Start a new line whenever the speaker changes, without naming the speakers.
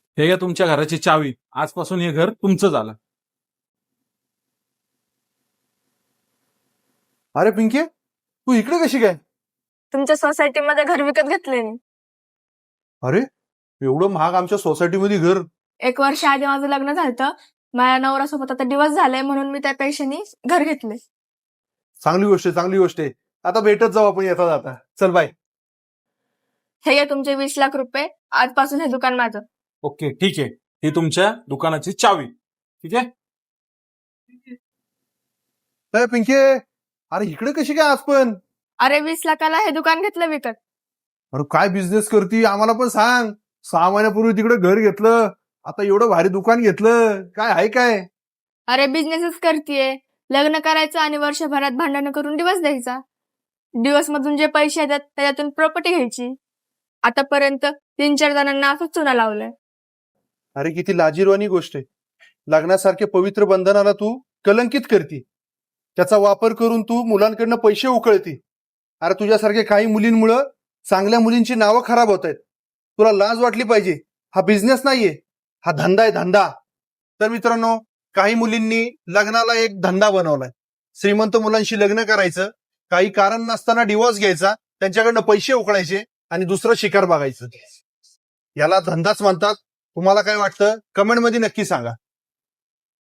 हे घ्या तुमच्या घराची चावी. आजपासून हे घर तुमचं झालं.
अरे पिंकी, तू इकडे कशी काय?
तुमच्या सोसायटीमध्ये घर विकत घेतले मी.
अरे एवढं महाग आमच्या सोसायटीमध्ये घर?
1 वर्ष आधी माझं लग्न झालं. माझ्या नवऱ्यासोबत आता दिवस झालाय म्हणून मी त्या पैशानी घर घेतले.
चांगली गोष्ट आहे, चांगली गोष्ट आहे. आता भेटत जाऊ आपण येता जाता. चल बाय.
हे घ्या तुमचे 20 लाख रुपये. आजपासून हे दुकान माझं.
ओके ठीक आहे. ही तुमच्या दुकानाची चावी. ठीक आहे.
अरे पिंकी, अरे इकडे कशी काय आज पण?
अरे 20 लाखाला हे दुकान घेतलं विकत.
अरे काय बिझनेस करती आम्हाला पण सांग. 6 महिन्यापूर्वी तिकडे घर घेतलं, आता एवढं भारी दुकान घेतलं. काय आहे काय?
अरे बिझनेसच करतीये. लग्न करायचं आणि वर्षभरात भांडणं करून दिवस द्यायचा. दिवस मधून जे पैसे येतात त्याच्यातून प्रॉपर्टी घ्यायची. आतापर्यंत 3-4 जणांना असंच चुना लावलंय.
अरे किती लाजिरवाणी गोष्ट आहे. लग्नासारखे पवित्र बंधनाला तू कलंकित करती. त्याचा वापर करून तू मुलांकडनं पैसे उकळती. अरे तुझ्यासारखे काही मुलींमुळं चांगल्या मुलींची नावं खराब होत आहेत. तुला लाज वाटली पाहिजे. हा बिझनेस नाहीये, हा धंदा आहे, धंदा. तर मित्रांनो, काही मुलींनी लग्नाला एक धंदा बनवलाय. श्रीमंत मुलांशी लग्न करायचं, काही कारण नसताना डिवोर्स घ्यायचा, त्यांच्याकडनं पैसे उकळायचे आणि दुसरं शिकार बघायचं. याला धंदाच म्हणतात. तुम्हाला काय वाटतं कमेंटमध्ये नक्की सांगा.